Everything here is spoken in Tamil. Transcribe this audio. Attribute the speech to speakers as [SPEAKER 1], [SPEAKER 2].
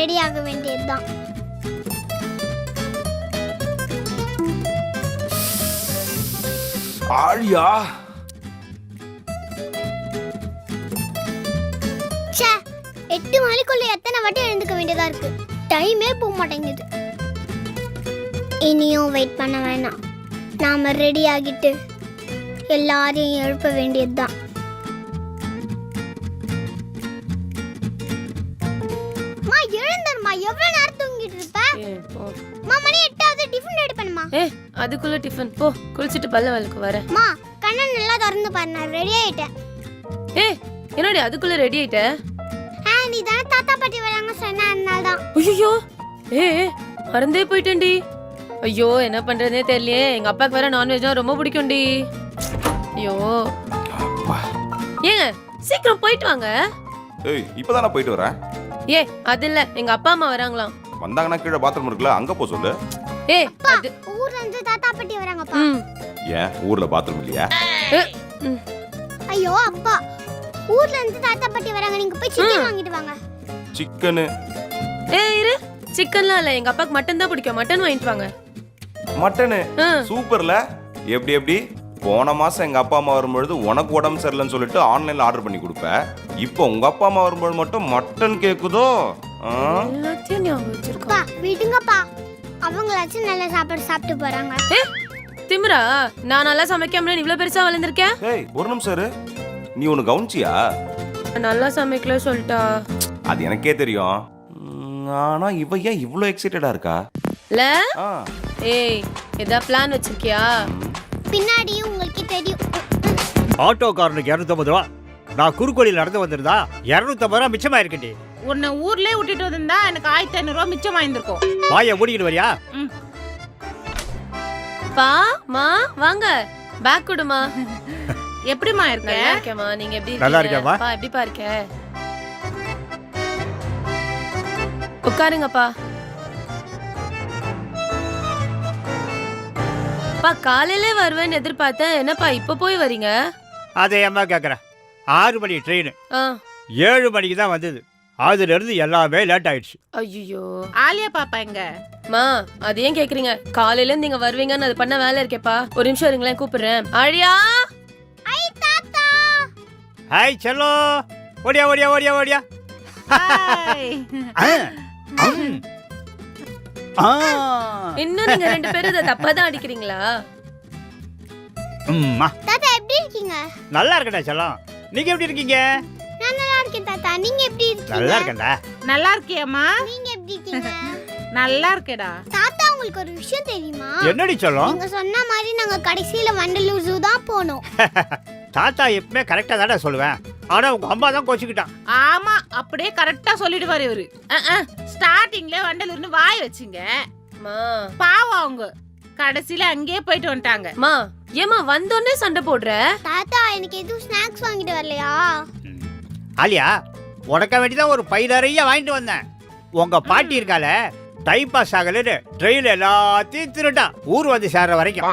[SPEAKER 1] ரெடி ஆக வேண்டியதுதான்.
[SPEAKER 2] ஆழியா,
[SPEAKER 1] ச்சே 8 மணிக்குள்ள எத்தனை வாட்டி எழுந்துக்க வேண்டியதா இருக்கு. டைமே போக மாட்டேங்குது. இனியும் வெயிட் பண்ண வேணாம். நாம ரெடி ஆகிட்டு எல்லாரையும் எழுப்ப வேண்டியதுதான். மா எழுந்தர்மா, எவ்வளவு நேரம் தூங்கிட்டு இருப்ப? மா மணி 8 டிஃபன் ரெடி பண்ணுமா.
[SPEAKER 3] அதுக்குள்ள டிஃபன் போ, குளிச்சிட்டு பல்ல வலக்கு வரேன்.
[SPEAKER 1] மா கண்ணை நல்லா திறந்து பாரு, நான் ரெடி ஆயிட்டேன்.
[SPEAKER 3] என்னடி அதுக்குள்ள ரெடி ஆயிட்ட?
[SPEAKER 1] நீ தானே தாத்தா பாட்டி வராங்க சொன்ன, அதனாலதான்.
[SPEAKER 3] ஐயோ மறந்தே போயிட்டேன்டி. ஐயோ என்ன பண்றதே தெரியலையே. எங்க அப்பாக்கு வேற நான்வெஜ்னா ரொம்ப பிடிக்கும்டி. ஐயோ ஏங்க சீக்கிரம் போயிட்டு வாங்க.
[SPEAKER 2] ஏய் இப்பதான் நான் போயிட்டு வரேன்.
[SPEAKER 3] அது இல்ல, எங்க அப்பா அம்மா வராங்களாம்.
[SPEAKER 2] வந்தாங்கன்னா கீழே பாத்ரூம் இருக்குல்ல, அங்க போ சொல்லு.
[SPEAKER 3] அது
[SPEAKER 1] ஊர்ல இருந்து தாத்தா பாட்டி வராங்கப்பா.
[SPEAKER 2] ஏன் ஊர்ல பாத்ரூம் இல்லையா?
[SPEAKER 1] ஐயோ அப்பா, ஊர்ல இருந்து தாத்தா பாட்டி வராங்க, நீங்க போய் சிக்கன் வாங்கிட்டு வாங்க.
[SPEAKER 2] சிக்கனு?
[SPEAKER 3] இரு, சிக்கன்லாம் இல்ல, எங்க அப்பாக்கு மட்டன் தான் பிடிக்கும். மட்டன் வாங்கிட்டு வாங்க.
[SPEAKER 2] மட்டனு? சூப்பர்ல. எப்படி போன மாசம் எங்க அப்பா அம்மா வரும்பொழுது உனக்கு உடம்பு சரியில்லைன்னு சொல்லிட்டு ஆன்லைன்ல ஆர்டர் பண்ணி கொடுப்ப. இப்போ உங்க அப்பா அம்மா வரும்போது மட்டும் மட்டன் கேக்குதோ?
[SPEAKER 3] எல்லாத்தையும் ஞாபகம் வச்சிருக்கா.
[SPEAKER 1] விடுங்கப்பா, அவங்களாச்சும் நல்ல சாப்பாடு சாப்பிட்டு போறாங்க.
[SPEAKER 3] திமிரா, நான் நல்லா சமைக்காம இவ்வளவு பெருசா வளர்ந்திருக்கேன்.
[SPEAKER 2] ஏய் ஒரு நிமிஷம் இரு, நீ ஒன்னு கவனிச்சியா?
[SPEAKER 3] நல்லா சமைக்கல சொல்லிட்டா.
[SPEAKER 2] அது எனக்கே தெரியும். ஆனா இவ ஏன் இவ்ளோ எக்ஸைட்டடா இருக்கா?
[SPEAKER 3] இல்ல ஏதா பிளான் வச்சிருக்கியா?
[SPEAKER 1] பின்னாடி உங்களுக்கு தெரியும்.
[SPEAKER 4] ஆட்டோக்காரனுக்கு 250 ரூபா. நான் குறுக்கோளியில் நடந்து வந்திருந்தா 250 ரூபா மிச்சமா இருக்கட்டி.
[SPEAKER 5] உன்னை ஊர்லயே விட்டுட்டு வந்திருந்தா எனக்கு 1500 ரூபா மிச்சமா இருந்திருக்கும்.
[SPEAKER 4] வாயை மூடிக்கிட்டு வரியா?
[SPEAKER 3] பா மா வாங்க, பேக் கொடுமா.
[SPEAKER 5] எப்படிமா இருக்க?
[SPEAKER 3] நல்லா இருக்கேம்மா, நீங்க எப்படி
[SPEAKER 4] நல்லா
[SPEAKER 3] இருக்கீங்க?
[SPEAKER 4] இருக்கேம்மா.
[SPEAKER 3] பா எப்படிப்பா இருக்க? உட்காருங்கப்பா. பா காலையிலே வருவேன்னு எதிர்பார்த்தேன், என்னப்பா இப்ப போய் வரீங்க?
[SPEAKER 4] அதை அம்மா கேட்குறேன். 6 மணி ட்ரெயின் 7 மணிக்கு தான் வந்தது. அதுல இருந்து எல்லாமே லேட் ஆயிடுச்சு.
[SPEAKER 3] ஐயோ
[SPEAKER 5] ஆலியா பாப்பா எங்க?
[SPEAKER 3] மா அது ஏன் கேக்குறீங்க? காலையில இருந்து நீங்க வருவீங்கன்னு அது பண்ண வேலை இருக்கேப்பா. ஒரு நிமிஷம் இருங்களேன், கூப்பிடுறேன். ஆழியா,
[SPEAKER 1] ஐ தாத்தா.
[SPEAKER 4] ஹாய் செல்லோ, ஓடியா ஓடியா ஓடியா ஓடியா.
[SPEAKER 5] ஹாய்.
[SPEAKER 3] இன்னும் நீங்க 2 பேரும் இதை தப்பா தான் அடிக்கிறீங்களா?
[SPEAKER 1] தாத்தா எப்படி இருக்கீங்க?
[SPEAKER 4] நல்லா இருக்கடா செல்லம். நீங்க எப்படி இருக்கீங்க?
[SPEAKER 1] நான் நல்லா இருக்கேன் தாத்தா, நீங்க எப்படி இருக்கீங்க?
[SPEAKER 4] நல்லா இருக்கேன்டா.
[SPEAKER 5] நல்லா இருக்கியாமா?
[SPEAKER 1] நீங்க எப்படி இருக்கீங்க?
[SPEAKER 5] நல்லா இருக்கேடா.
[SPEAKER 1] தாத்தா உங்களுக்கு ஒரு விஷயம் தெரியுமா?
[SPEAKER 4] என்னடி செல்லம்?
[SPEAKER 1] நீங்க சொன்ன மாதிரி நாங்க கடைசியில வண்டலூர் ஜூ தான் போனோம்.
[SPEAKER 4] தாத்தா எப்பவுமே கரெக்டா தானே சொல்லுவேன். ஆனா உங்க அம்மா தான் கோச்சிக்கிட்டான்.
[SPEAKER 5] ஆமா, அப்படியே கரெக்டா சொல்லிடுவாரு இவரு. ஸ்டார்டிங்ல வண்டலூர்னு வாய் வச்சுங்க. பாவம் அவங்க கடைசியில அங்கேயே போயிட்டு வந்துட்டாங்க.
[SPEAKER 3] மா ஏமா வந்தோடனே சண்டை போடுற?
[SPEAKER 1] தாத்தா எனக்கு எதுவும் ஸ்நாக்ஸ் வாங்கிட்டு வரலையா?
[SPEAKER 4] ஆலியா, உனக்க வேண்டிதான் ஒரு பை நிறைய வாங்கிட்டு வந்தேன். உங்க பாட்டி இருக்கால, டைம் பாஸ் ஆகலன்னு ட்ரெயின் எல்லாத்தையும் திருட்டான் ஊர் வந்து சேர்ற வரைக்கும்.